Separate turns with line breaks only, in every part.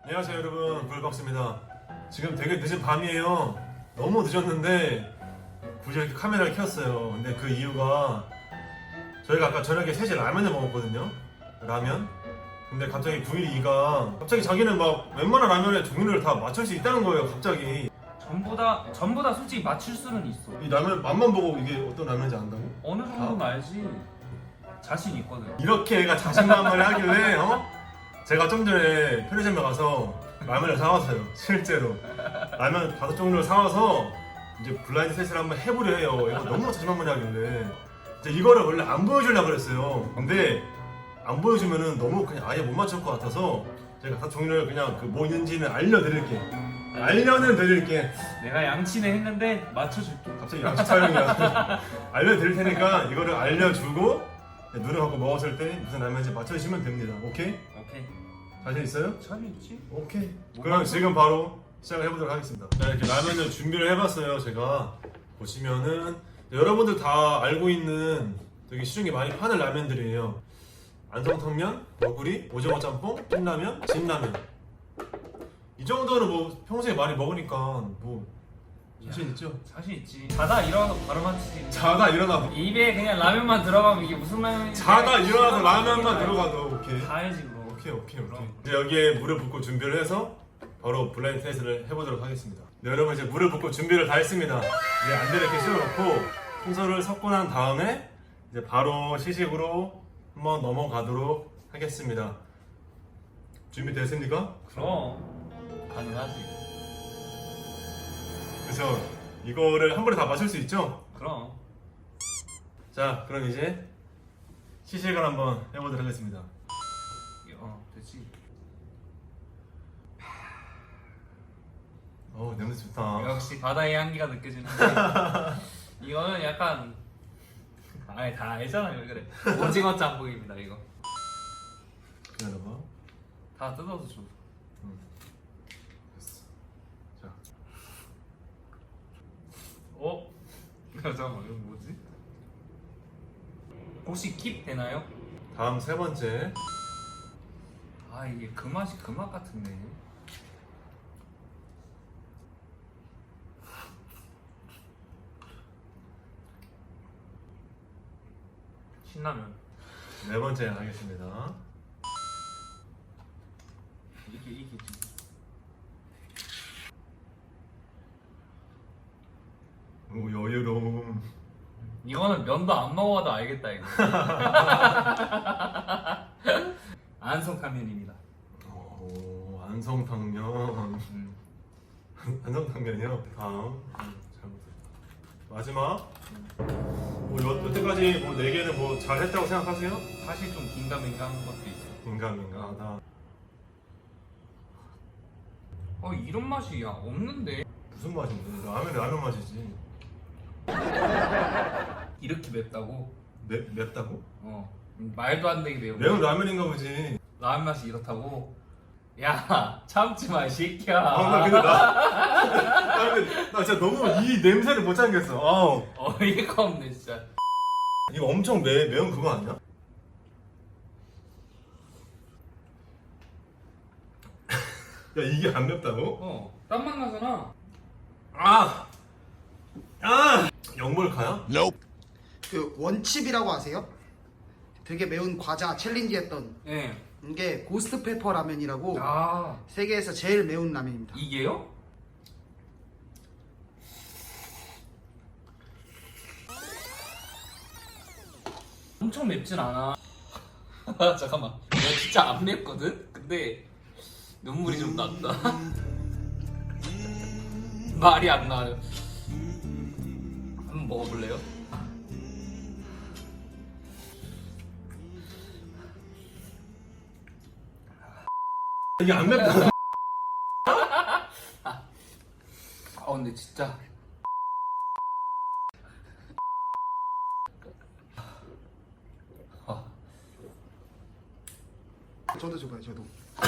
안녕하세요 여러분, 불박스입니다. 지금 되게 늦은 밤이에요. 너무 늦었는데 굳이 이렇게 카메라를 켰어요. 근데 그 이유가 저희가 아까 저녁에 3시에 라면을 먹었거든요. 라면. 근데 갑자기 912가 갑자기 자기는 막 웬만한 라면의 종류를 다 맞출 수 있다는 거예요. 갑자기
전부 다 솔직히 맞출 수는 있어.
이 라면 맛만 보고 이게 어떤 라면인지 안다고?
어느 정도는 알지. 자신 있거든.
이렇게 애가 자신만만을 하길래 제가 좀 전에 편의점에 가서 라면을 사왔어요. 실제로 라면 5종류를 사와서 이제 블라인드 테스트를 한번 해보려 해요. 이거 너무 자신만만해 하길래 이제 이거를 원래 안 보여주려고 그랬어요. 근데 안 보여주면은 너무 그냥 아예 못 맞출 것 같아서 제가 5종류를 그냥 그 뭐 있는지는 알려드릴게. 알려는 드릴게.
내가 양치는 했는데 맞춰줄게.
갑자기 양식 촬영이야. 알려드릴 테니까 이거를 알려주고 눈을 감고 먹었을 때 무슨 라면인지 맞춰주시면 됩니다. 오케이?
오케이.
자신 있어요?
자신 있지?
오케이. 그럼 지금 바로 시작을 해보도록 하겠습니다. 자, 이렇게 라면을 준비를 해봤어요. 제가 보시면은 여러분들 다 알고 있는 되게 시중에 많이 파는 라면들이에요. 안성탕면, 너구리, 오징어 짬뽕, 찐라면, 진라면. 이 정도는 뭐 평소에 많이 먹으니까 뭐 자신 있죠?
자신 있지. 자다 일어나서 바로 맞히지.
자다 일어나도
입에 그냥 라면만 들어가면 이게 무슨 라면인지.
자다 일어나서 라면만 들어가도 오케이.
다 알지 그거.
오케이. 이제 여기에 물을 붓고 준비를 해서 바로 블라인드 테스트를 해보도록 하겠습니다. 네, 여러분 이제 물을 붓고 준비를 다 했습니다. 이제 안대를 이렇게 씌워놓고 순서를 섞고 난 다음에 이제 바로 시식으로 한번 넘어가도록 하겠습니다. 준비됐습니까?
그럼 가능하지.
그래서 이거를 한 번에 다 마실 수 있죠?
그럼.
자, 그럼 이제 시식을 한번 해보도록 하겠습니다.
됐지.
냄새 좋다.
역시 바다의 향기가 느껴지는데 이거는 약간 아예 다 알잖아요. 그래. 오징어 짬뽕입니다 이거.
기다려봐.
다 뜯어서 줘.
됐어. 자,
잠깐만 이거 뭐지? 혹시 킵 되나요?
다음 3번째.
아 이게 그 맛이 그 맛 같은데. 신라면.
4번째 하겠습니다.
이게
오, 여유로움.
이거는 면도 안 먹어도 알겠다 이거. 안성탕면입니다.
오, 안성탕면. 안성탕면이요? 다음. 잘못했다. 마지막. 여태까지 뭐 4개는 뭐 잘했다고 생각하세요?
사실 좀 긴가민가한 것도 있어.
인간하다.
이런 맛이 야 없는데.
무슨 맛인데? 라면 맛이지.
이렇게 맵다고?
맵다고?
말도 안 되게 매워.
매운 라면인가 보지.
라면 맛이 이렇다고? 야 참지 마 이 새끼야.
나 근데 나 진짜 너무 이 냄새를 못 참겠어.
어이가 없네 진짜.
이거 엄청 매운 그거 아니야? 야, 이게 안 맵다고?
땀맛 나잖아.
영몰카야?
그 원칩이라고 아세요? 되게 매운 과자 챌린지 했던
예.
이게 고스트 페퍼 라면이라고
아
세계에서 제일 매운 라면입니다.
이게요? 엄청 맵진 않아. 잠깐만. 내가 진짜 안 맵거든? 근데 눈물이 좀 난다. 말이 안 나요. 한번 먹어볼래요?
이게 안 맵다.
근데 진짜
저도 줘봐요, 저도.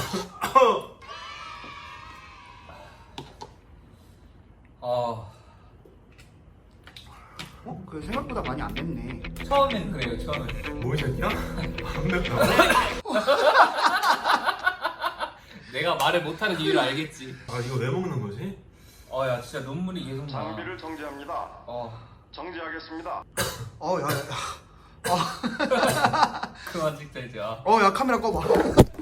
그 생각보다 많이 안 맵네.
처음엔 그래요. 처음엔
뭐 이 새끼야? 안 맵다.
내가 말을 못하는 이유를 알겠지.
아 이거 왜 먹는 거지?
야 진짜 눈물이 계속 나.
장비를 정지합니다. 정지하겠습니다.
야야야.
그만 찍자 이제.
야 카메라 꺼봐.